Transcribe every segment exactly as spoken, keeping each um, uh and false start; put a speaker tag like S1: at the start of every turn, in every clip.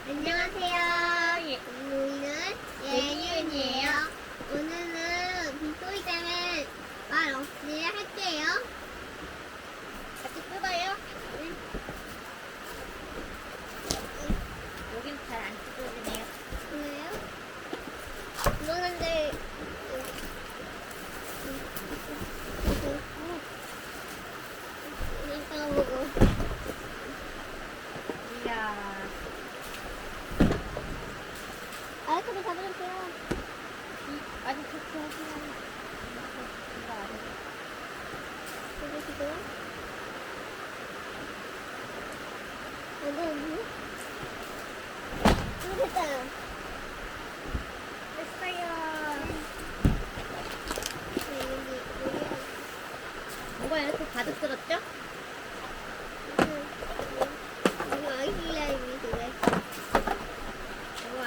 S1: 안녕하세요. 예, 우리는 예윤이에요. 오늘은 빗소리 때문에 말 없이 할게요.
S2: 같이 뜯어요?
S1: 응?
S2: 여긴 잘 안 뜯어지네요.
S1: 그래요? 그러는데 이따가 보고
S2: 이야.
S1: 아이크도 잡아주세요.
S2: 이, 아니, 그렇게 하시면. 이거 안 해.
S1: 잡아주세요. 안 되는데? 이거 됐어요.
S2: 됐어요.
S1: 네, 여기, 여기.
S2: 뭐가 이렇게 가득 들었죠?
S1: 여기 아기 슬라임이 그래.
S2: 우와.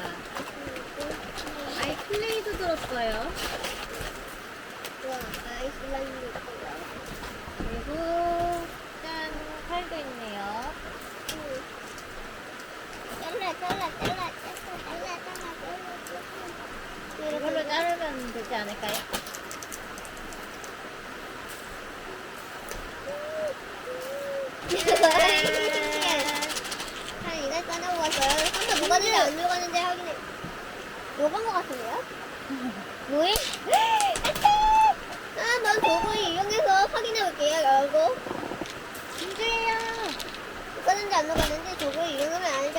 S2: 아이, 클레이도 들었어요.
S1: 와, 아이 슬라임이 있어요.
S2: 그리고, 짠, 칼도 있네요.
S1: 응. 잘라, 잘라, 잘라, 잘라, 잘라, 잘라, 잘라.
S2: 이걸로 자르면 되지 않을까요?
S1: 한 이날 꺼내보았어요. 혼자 뭐가 되는지 안 녹았는지 확인해. 녹은 것 같은데요? 뭐해? 아, 난 도구를 이용해서 확인해 볼게요. 열고.
S2: 진주예요.
S1: 녹았는지 안 녹았는지 도구를 이용하면 알죠.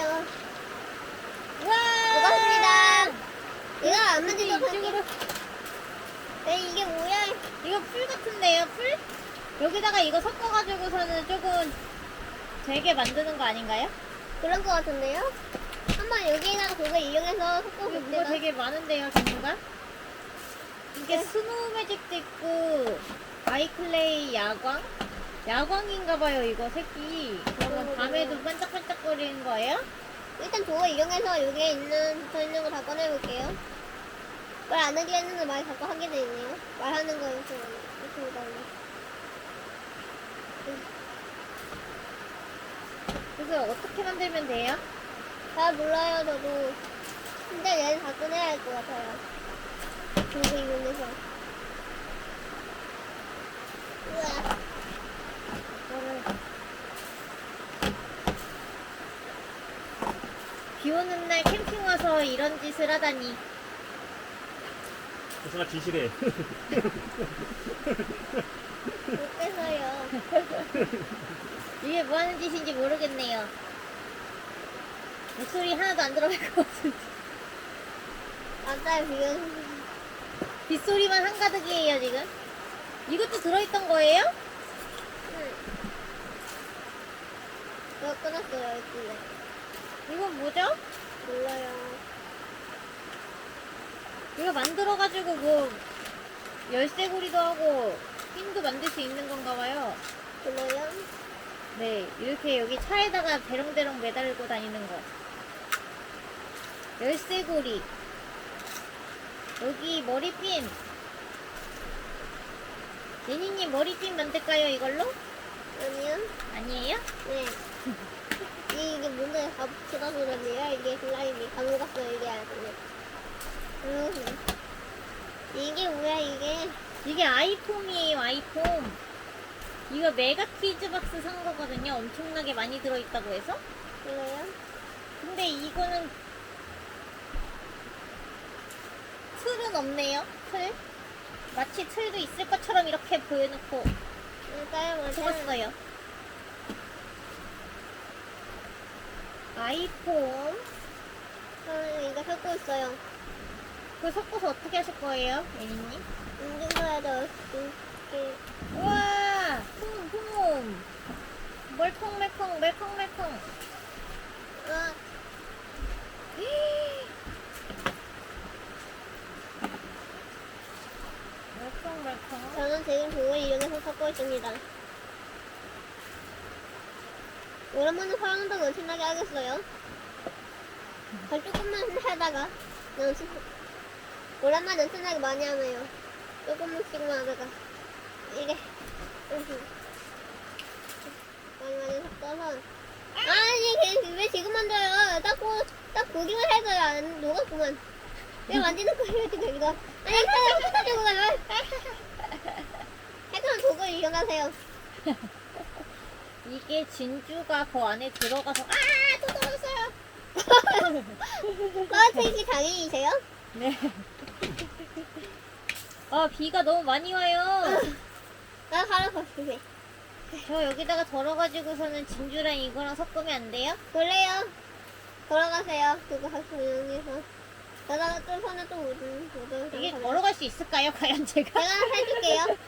S2: 우와.
S1: 녹았습니다. 이거 안
S2: 근데
S1: 만지도
S2: 이쪽으로.
S1: 에 이게 뭐야?
S2: 이거 풀 같은데요, 풀? 여기다가 이거 섞어가지고서는 조금 되게 만드는 거 아닌가요?
S1: 그런 것 같은데요? 한번 여기에다가 도구를 이용해서
S2: 이게
S1: 섞어볼
S2: 뭐가
S1: 때가
S2: 되게 많은데요, 종류가? 이게
S1: 네.
S2: 스노우 매직도 있고, 아이클레이 야광? 야광인가봐요, 이거 색이. 그러면 밤에도 반짝반짝거리는 거예요?
S1: 일단 도구 이용해서 여기에 있는 붙어있는 거 다 꺼내볼게요. 말 안 하게 했는데 말 자꾸 하게 되네요. 말하는 거 이렇게 이렇게 보다니.
S2: 그래서 어떻게 만들면 돼요?
S1: 잘 몰라요 저도. 근데 얘는 다 꺼내야 할 것 같아요. 도구 이용해서. 우와.
S2: 이거를 비 오는 날 캠핑 와서 이런 짓을 하다니.
S3: 조사가 진실해.
S1: 못 빼서요.
S2: 이게 뭐 하는 짓인지 모르겠네요. 목소리 하나도 안 들어갈 것 같은데.
S1: 맞아요 지금.
S2: 빗소리만 한가득이에요, 지금. 이것도 들어있던 거예요?
S1: 응. 저 끊었어요 이쪽에.
S2: 이건 뭐죠?
S1: 몰라요.
S2: 이거 만들어가지고 뭐 열쇠고리도 하고 핀도 만들 수 있는 건가 봐요.
S1: 몰라요?
S2: 네, 이렇게 여기 차에다가 대롱대롱 매달고 다니는 거. 열쇠고리. 여기 머리핀. 예니님 머리핀 만들까요, 이걸로?
S1: 아니요?
S2: 아니에요?
S1: 네. 이- 이게 뭔데 가부치다 소리인데요? 이게 슬라임이 감옥갔어요 이게 아니에요. 음. 이게 뭐야 이게?
S2: 이게 아이폼이에요, 아이폼. 이거 메가 퀴즈 박스 산 거거든요. 엄청나게 많이 들어있다고 해서.
S1: 이거요?
S2: 근데 이거는 틀은 없네요. 틀. 마치 틀도 있을 것처럼 이렇게 보여놓고
S1: 맞아요 맞아요.
S2: 적었어요. 아이폼.
S1: 아, 이거 섞고 있어요.
S2: 그거 섞어서 어떻게 하실 거예요, 예니님?
S1: 움직여야죠. 이렇게.
S2: 우와! 품, 품! 멀컹멀컹, 멀컹멀컹.
S1: 아,
S2: 멀컹멀컹.
S1: 저는 지금 그걸 이용해서 섞고 있습니다. 오랜만에 사랑한다고 엄청나게 하겠어요. 잘 조금만 하다가 연습. 오랜만에 엄청나게 많이 하네요. 조금씩만 하다가 이게 많이 많이 섞어서 아니 걔 왜 지금 만져요? 딱, 보, 딱 보기만 해도 안 녹았구만. 왜 만지는 거예요 지금 이거? 아니 사람 흩어지고 가요. 해그는 독을 이용하세요.
S2: 이게 진주가 그 안에 들어가서 아! 또 떨어졌어요.
S1: 떨어뜨리기 장인이세요?
S2: 네. 아, 비가 너무 많이 와요.
S1: 나 가라 거시기.
S2: 저 여기다가 덜어가지고서는 진주랑 이거랑 섞으면 안 돼요?
S1: 그래요. 돌아가세요. 그거 할수 이용해서. 내가 또 손에 또 묻은 묻은.
S2: 이게 걸어갈 수 있을까요, 과연 제가?
S1: 제가 해줄게요.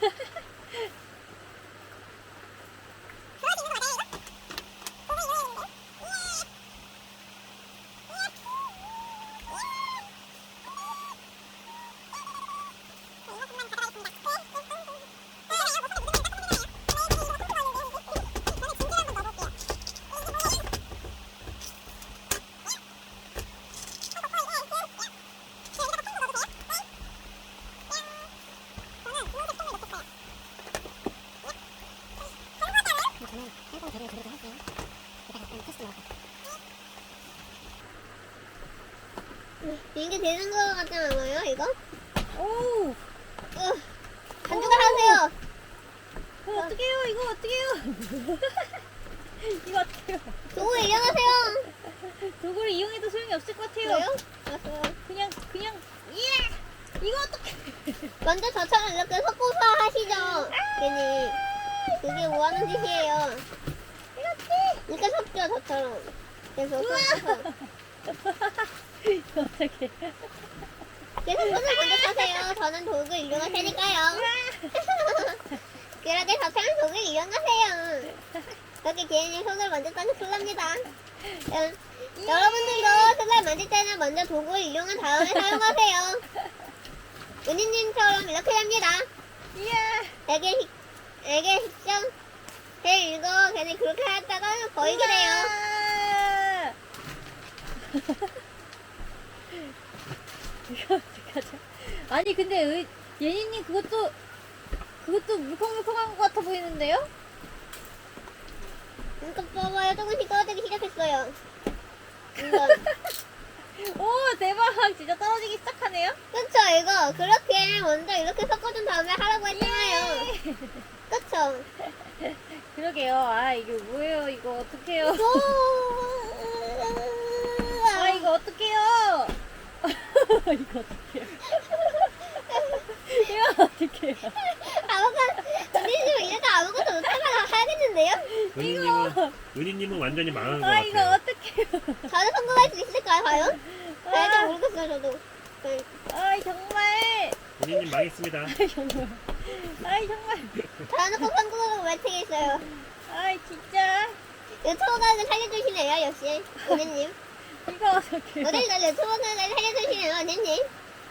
S1: 이게 되는 거 같지 않아요, 이거?
S2: 오!
S1: 어, 간주가 하세요.
S2: 어, 어떡해요, 이거 어떡해요? 이거 어떡해요?
S1: 도구 이용하세요.
S2: 도구를 이용해도 소용이 없을 것 같아요.
S1: 왜요? 알았어요.
S2: 그냥, 그냥, 예! 이거 어떡해!
S1: 먼저 저처럼 이렇게 섞어서 하시죠. 괜히. 그게 뭐 하는 짓이에요. 이렇게 섞죠, 저처럼. 계속 섞어서.
S2: 어떡해.
S1: 계속 손을 먼저 타세요. 저는 도구 이용할 테니까요. 그러게 저처럼 도구 이용하세요. 그렇게 괜히 손을 먼저 따면 큰일 납니다. 여, 여러분들도 손을 만질 때는 먼저 도구를 이용한 다음에 사용하세요. 은희님처럼 이렇게 됩니다.
S2: 이야!
S1: 되게, 식- 되게 식정. 제 이거 괜히 그렇게 했다가 버리게 돼요.
S2: 우와! 이거 어떡하죠? 아니 근데 의, 예니님 그것도 그것도 물컹물컹한 것 같아 보이는데요?
S1: 이거 봐봐요. 조금씩 떨어지기 시작했어요. 이건.
S2: 오 대박! 진짜 떨어지기 시작하네요?
S1: 그쵸, 이거. 그렇게 먼저 이렇게 섞어준 다음에 하라고 했잖아요.
S2: 예!
S1: 그쵸?
S2: 그러게요. 아 이게 뭐예요? 이거 어떡해요?
S1: 아,
S2: 아 이거 어떡해요? 이거 어떡해요? 이거 어떡해요?
S1: 아무것도, 은희님은 이래서 아무것도 못하면 하겠는데요?
S3: 은희님은 은희님은 완전히 망한 것
S2: 아 이거
S3: 같아요.
S2: 어떡해요?
S1: 저는 성공할 수 있을까요, 과연?
S2: 아,
S1: 잘 모르겠어요, 저도. 네.
S2: 아이 정말
S3: 은희님 망했습니다.
S2: 아이 정말 아이 정말
S1: 저는 꼭 성공하고 외치겠어요.
S2: 아이 진짜
S1: 유튜버를 살려주시네요, 역시. 은희님.
S2: 이거 어떡해요?
S1: 어딜 날 유튜버를 살려주시네요, 은희님.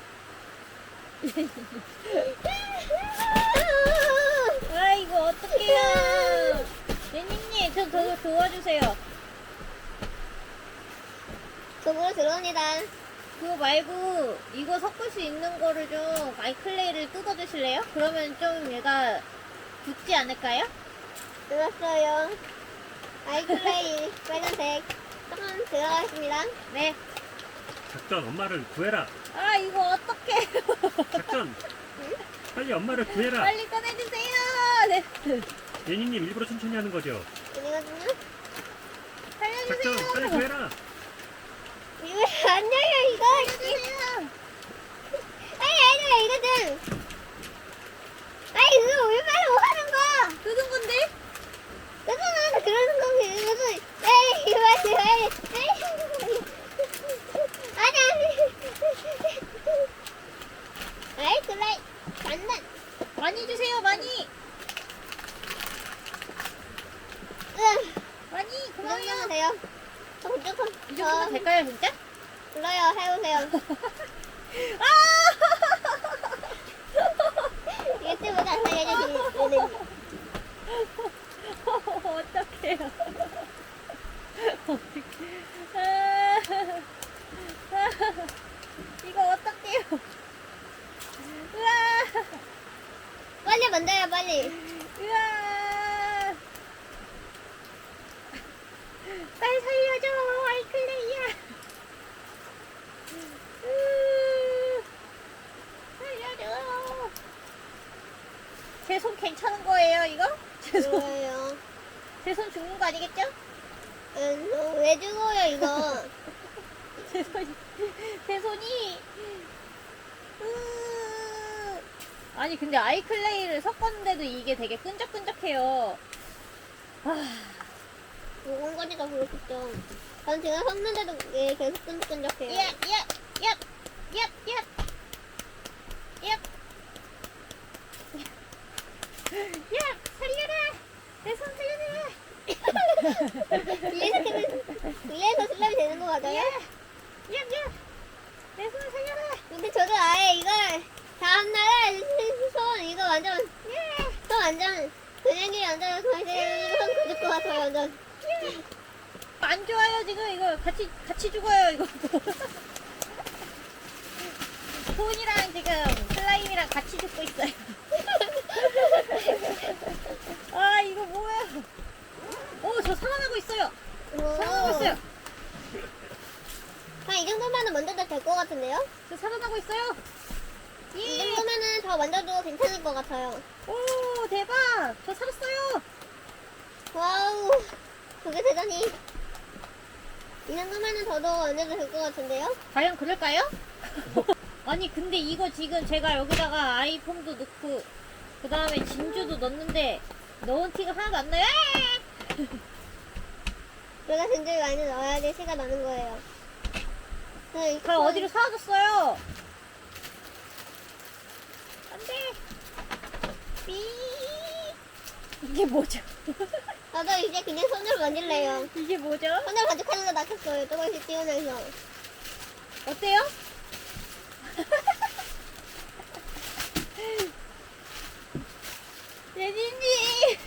S2: 아 이거 어떡해요? 예니님 저 더 도와주세요.
S1: 속으로 들어옵니다.
S2: 그거 말고 이거 섞을 수 있는 거를 좀 아이클레이를 뜯어 주실래요? 그러면 좀 얘가 붙지 않을까요?
S1: 들었어요. 아이클레이 빨간색 조금 들어가겠습니다.
S2: 네.
S3: 작전 엄마를 구해라.
S2: 아 이거 어떡해요?
S3: 작전 빨리 엄마를 구해라.
S2: 빨리 꺼내주세요. 네.
S3: 예니님 일부러 천천히 하는 거죠.
S1: 이거든요.
S3: 작전 빨리
S2: 살려주세요.
S3: 구해라.
S1: 이거 안 열려, 이거.
S2: 살려주세요.
S1: 아니, 아니, 이거든. 아니, 이거 얼마나 뭐 하는 거야?
S2: 뜯은 건데?
S1: 그거는 그러는 거지. 이거는, 에이, 이거 맞지, 에이, 에이. 아니, 아니. 아이, 그래. 장난.
S2: 많이 주세요. 많이.
S1: 으,
S2: 많이.
S1: 이
S2: 고마워요.
S1: 정도면 돼요. 조금, 조금.
S2: 이 정도면 될까요 진짜?
S1: 불러요, 해오세요.
S2: 아!
S1: 유튜브 다 살려주시는.
S2: 어떡해요. 어떡해. 아, 아, 이거 어떡해요. 으아,
S1: 빨리 만져요, 빨리.
S2: 으아. 죽는 거 아니겠죠?
S1: 음, 어, 왜 죽어요 이거?
S2: 제 손이, 제 손이. 으... 아니, 근데 아이클레이를 섞었는데도 이게 되게 끈적끈적해요. 아,
S1: 먹은 거니까 그렇겠죠. 전 지금 섞는데도 얘 계속 끈적끈적해요.
S2: 예, 예, 예, 예, 예, 예. 야, 살려라! 내 손 살려라!
S1: 위에서 계속 위에서 슬라임이 되는 거 맞아요?
S2: 야, 야, 야! 내 손 살려라!
S1: 근데 저도 아예 이걸 다음날에 손 이거 완전
S2: 예!
S1: 손 완전 근육이 완전 거의 손 굳을 것 같아요 완전.
S2: 안 좋아요, 지금. 이거 같이, 같이 죽어요, 이거. 손이랑 지금 슬라임이랑 같이 죽고 있어요. 아, 이거 뭐야? 오, 저 살아나고 있어요. 살아나고 있어요.
S1: 한이 정도면은 만져도 될 것 같은데요?
S2: 저 살아나고 있어요.
S1: 이
S2: 예!
S1: 정도면은 더 만져도 괜찮을 것 같아요.
S2: 오, 대박! 저 살았어요.
S1: 와우, 그게 대단히. 이 정도면은 저도 만져도 될 것 같은데요?
S2: 과연 그럴까요? 아니, 근데 이거 지금 제가 여기다가 아이폼도 넣고, 그 다음에 진주도 넣었는데, 넣은 티가 하나도 안 나요.
S1: 우리가 진주를 많이 넣어야지 시가 나는 거예요. 네,
S2: 다 어디로 사라졌어요? 안 돼. 삐. 이게 뭐죠?
S1: 저도 이제 그냥 손으로 만질래요.
S2: 이게 뭐죠?
S1: 손으로 간직하는 거 낚였어요. 조금씩 띄워내서.
S2: 어때요? 예진님!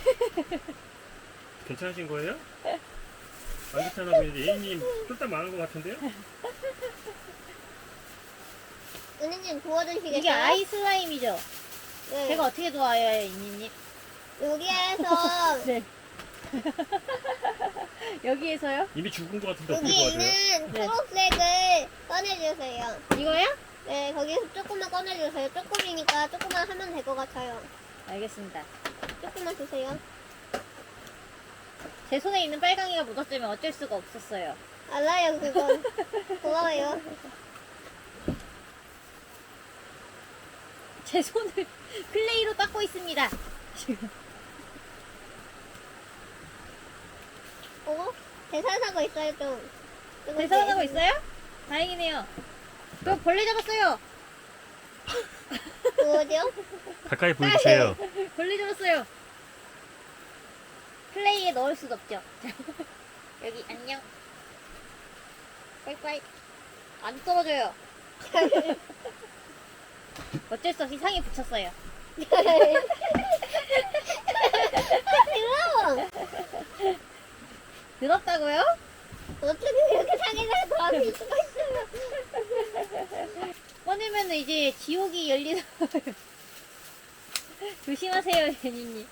S3: 괜찮으신 거예요? 안 괜찮아 보이는데 예인님 쫄딱 망한 것 같은데요?
S1: 은희님 도와주시겠어요?
S2: 이게 아이 슬라임이죠?
S1: 네.
S2: 제가 어떻게 도와요, 이니님?
S1: 여기에서
S2: 네. 여기에서요?
S3: 이미 죽은 것 같은데 어떻게
S1: 여기
S3: 도와줘요?
S1: 있는
S2: 네.
S1: 초록색을 꺼내주세요.
S2: 이거요?
S1: 네, 거기서 조금만 꺼내주세요. 조금이니까 조금만 하면 될 것 같아요.
S2: 알겠습니다.
S1: 조금만 주세요.
S2: 제 손에 있는 빨강이가 묻었으면 어쩔 수가 없었어요.
S1: 알아요, 그건. 고마워요.
S2: 제 손을 클레이로 닦고 있습니다. 지금.
S1: 어? 대산하고 있어요, 좀. 조금씩.
S2: 대사하고 있어요? 다행이네요. 저 벌레 잡았어요.
S1: 뭐죠?
S3: 가까이 보여주세요.
S2: 벌레 잡았어요. 클레이에 넣을 수도 없죠. 여기 안녕. 빠이빠이. 안 떨어져요. 어쩔 수 없이 상에 붙였어요.
S1: 더러워!
S2: 더럽다고요?
S1: 어떻게 이렇게 상해서 더할 수가 있어요?
S2: 꺼내면 이제 지옥이 열리는 거예요. 조심하세요, 제니님.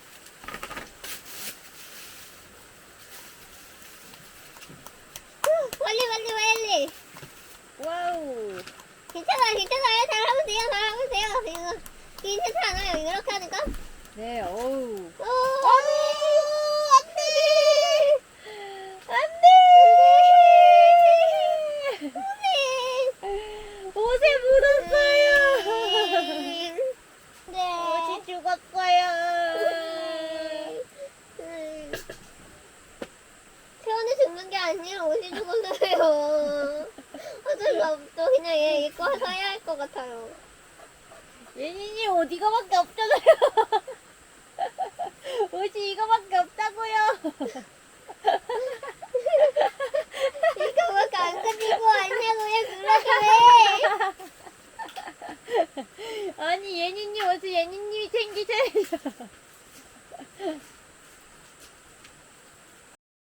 S1: 빨리, 빨리, 빨리!
S2: 와우.
S1: 괜찮아요, 괜찮아요. 잘하면 돼요, 잘하면 돼요. 이거 괜찮지 않아요? 이렇게 하니까?
S2: 네, 어우.
S1: 오,
S2: 안 돼! 안 돼! 옷에 묻었어요!
S1: 네.
S2: 옷이 죽었어요!
S1: 태원이 죽는 게 아니라 옷이 죽었어요. 어쩔 수 없어. 그냥 얘 이거 사야 할 것 같아요.
S2: 예진이 옷 이거밖에 없잖아요. 옷이 이거밖에 없다고요.
S1: 이거밖에 안 가지고